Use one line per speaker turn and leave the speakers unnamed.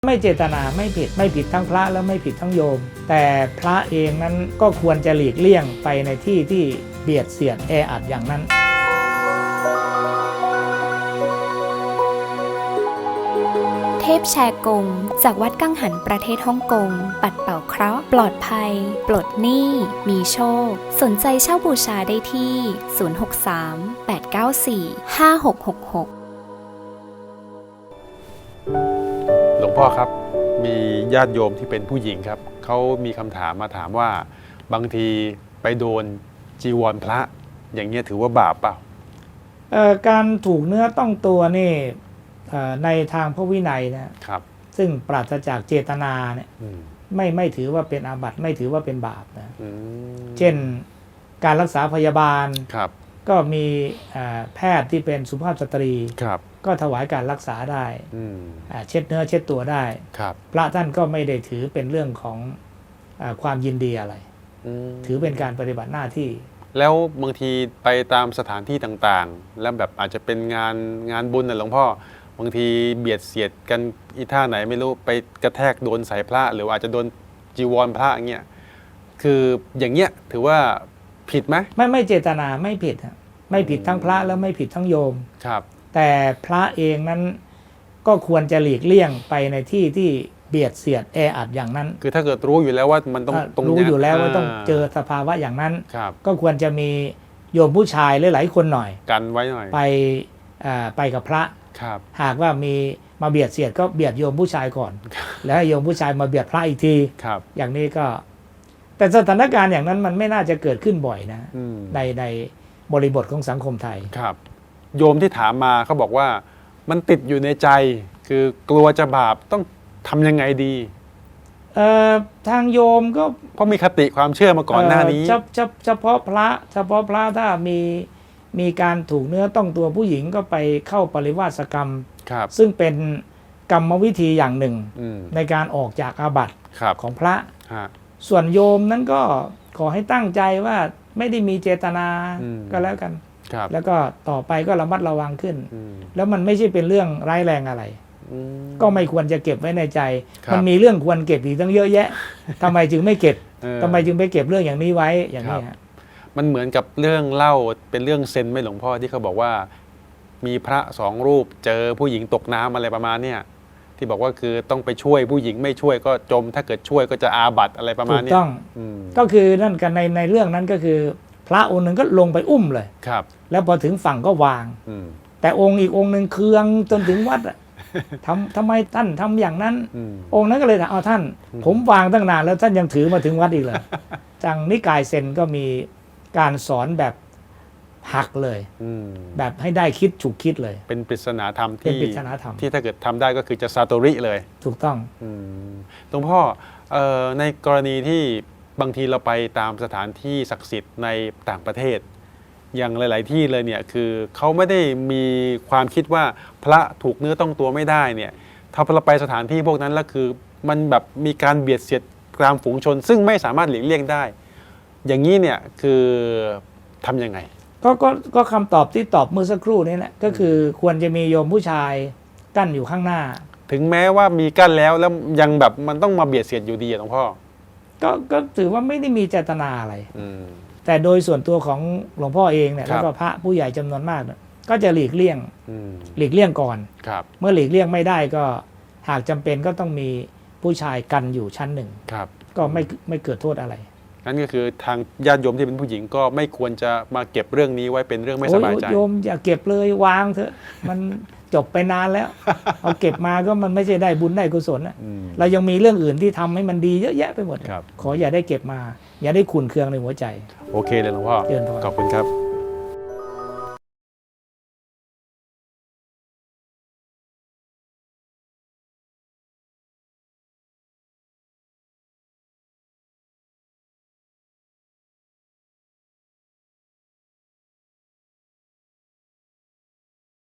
ไม่เจตนาไม่ผิดทั้งพระและไม่ผิดทั้งโยมแต่พระเองนั้นก็ควรจะหลีกเลี่ยงไปในที่ที่เบียดเสียดแออัดอย่างนั้น
เทพแชร์กงจากวัดกังหันประเทศฮ่องกงปัดเป่าเคราะห์ปลอดภัยปลดหนี้มีโชคสนใจเช่าบูชาได้ที่ 063-894-5666
หลวงพ่อครับมีญาติโยมที่เป็นผู้หญิงครับเขามีคำถามมาถามว่าบางทีไปโดนจีวรพระอย่างเงี้ยถือว่าบาปเปล่า
การถูกเนื้อต้องตัวนี่ในทางพระวินัยนะครับซึ่งปราศจากเจตนาเนี่ยไม่ถือว่าเป็นอาบัติไม่ถือว่าเป็นบาปนะเช่นการรักษาพยาบาลก็มีแพทย์ที่เป็นสุภาพสตรีก็ถวายการรักษาได้เช็ดเนื้อเช็ดตัวได้พระท่านก็ไม่ได้ถือเป็นเรื่องของความยินดีอะไรถือเป็นการปฏิบัติหน้าที่
แล้วบางทีไปตามสถานที่ต่างๆแล้วแบบอาจจะเป็นงานบุญนะหลวงพ่อบางทีเบียดเสียดกันอีท่าไหนไม่รู้ไปกระแทกโดนสายพระหรืออาจจะโดนจีวรพระอย่างเงี้ยคืออย่างเงี้ยถือว่าผิดไหม
ไม่เจตนาไม่ผิดไม่ผิดทั้งพระแล้วไม่ผิดทั้งโยมแต่พระเองนั้นก็ควรจะหลีกเลี่ยงไปในที่ที่เบียดเสียดแออัดอย่างนั้น
คือถ้าเกิดรู้อยู่แล้วว่ามันต้อง
รู้อยู่แล้วว่าต้องเจอสภาวะอย่างนั้นก็ควรจะมีโยมผู้ชายหลายๆคนหน่อย
กันไว้หน่อย
ไปกับพระหากว่ามีมาเบียดเสียดก็เบียดโยมผู้ชายก่อนแล้วโยมผู้ชายมาเบียดพระอีกทีอย่างนี้ก็แต่สถานการณ์อย่างนั้นมันไม่น่าจะเกิดขึ้นบ่อยนะในบริบทของสังคมไทย
ครับโยมที่ถามมาเขาบอกว่ามันติดอยู่ในใจคือกลัวจะบาปต้องทำยังไงดี
ทางโยมก็
เพราะมีคติความเชื่อมาก่อนหน้านี้
เฉพาะพระถ้ามีการถูกเนื้อต้องตัวผู้หญิงก็ไปเข้าปริวาสกรรมซึ่งเป็นกรรมวิธีอย่างหนึ่งในการออกจากอาบัติของพระส่วนโยมนั้นก็ขอให้ตั้งใจว่าไม่ได้มีเจตนาก็แล้วกันแล้วก็ต่อไปก็ระมัดระวังขึ้นแล้วมันไม่ใช่เป็นเรื่องร้ายแรงอะไรก็ไม่ควรจะเก็บไว้ในใจมันมีเรื่องควรเก็บอีกตั้งเยอะแยะทำไมจึงไม่เก็บทำไมจึงไปเก็บเรื่องอย่างนี้ไว้อย่างนี้
มันเหมือนกับเรื่องเล่าเป็นเรื่องเซนไหมหลวงพ่อที่เขาบอกว่ามีพระสองรูปเจอผู้หญิงตกน้ำอะไรประมาณเนี้ยที่บอกว่าคือต้องไปช่วยผู้หญิงไม่ช่วยก็จมถ้าเกิดช่วยก็จะอาบัติอะไรประมาณนี้
ถูกต้องก็คือนั่นกันในเรื่องนั้นก็คือพระองค์หนึ่งก็ลงไปอุ้มเลยแล้วพอถึงฝั่งก็วางแต่องค์อีกองค์หนึ่งเคืองจนถึงวัดทำไมท่านทำอย่างนั้นองค์นั้นก็เลยถามเอาท่านผมวางตั้งนานแล้วท่านยังถือมาถึงวัดอีกเลยจังนิกายเซนก็มีการสอนแบบหักเลยแบบให้ได้คิดฉุกคิดเลย
เป็นปริศนาธรรมที่ถ้าเกิดทำได้ก็คือจะซาโตริเลย
ถูกต้อง
หลวงพ่อในกรณีที่บางทีเราไปตามสถานที่ศักดิ์สิทธิ์ในต่างประเทศอย่างหลายๆที่เลยเนี่ยคือเขาไม่ได้มีความคิดว่าพระถูกเนื้อต้องตัวไม่ได้เนี่ยถ้าเราไปสถานที่พวกนั้นแล้วคือมันแบบมีการเบียดเสียดกลางฝูงชนซึ่งไม่สามารถหลีกเลี่ยงได้อย่างนี้เนี่ยคือทำยังไง
ก็คำตอบที่ตอบเมื่อสักครู่นี้แหละก็คือควรจะมีโยมผู้ชายกั้นอยู่ข้างหน้า
ถึงแม้ว่ามีกั้นแล้วยังแบบมันต้องมาเบียดเสียดอยู่ดีหลวงพ่อ
ก็ถือว่าไม่ได้มีเจตนาอะไรแต่โดยส่วนตัวของหลวงพ่อเองเนี่ยแล้วก็พระผู้ใหญ่จำนวนมากก็จะหลีกเลี่ยงก่อนเมื่อหลีกเลี่ยงไม่ได้ก็หากจำเป็นก็ต้องมีผู้ชายกันอยู่ชั้นหนึ่งก็ไม่เกิดโทษอะไร
นั่นก็คือทางญาติโยมที่เป็นผู้หญิงก็ไม่ควรจะมาเก็บเรื่องนี้ไว้เป็นเรื่องไม่สบายใจ
โยมอย่าเก็บเลยวางเถอะมันจบไปนานแล้วเอาเก็บมาก็มันไม่ใช่ได้บุญได้กุศลเรายังมีเรื่องอื่นที่ทำให้มันดีเยอะแยะไปหมดขออย่าได้เก็บมาอย่าได้ขุ่นเคืองในหัวใจ
โอเคเลยหลวงพ่อขอบคุณครับ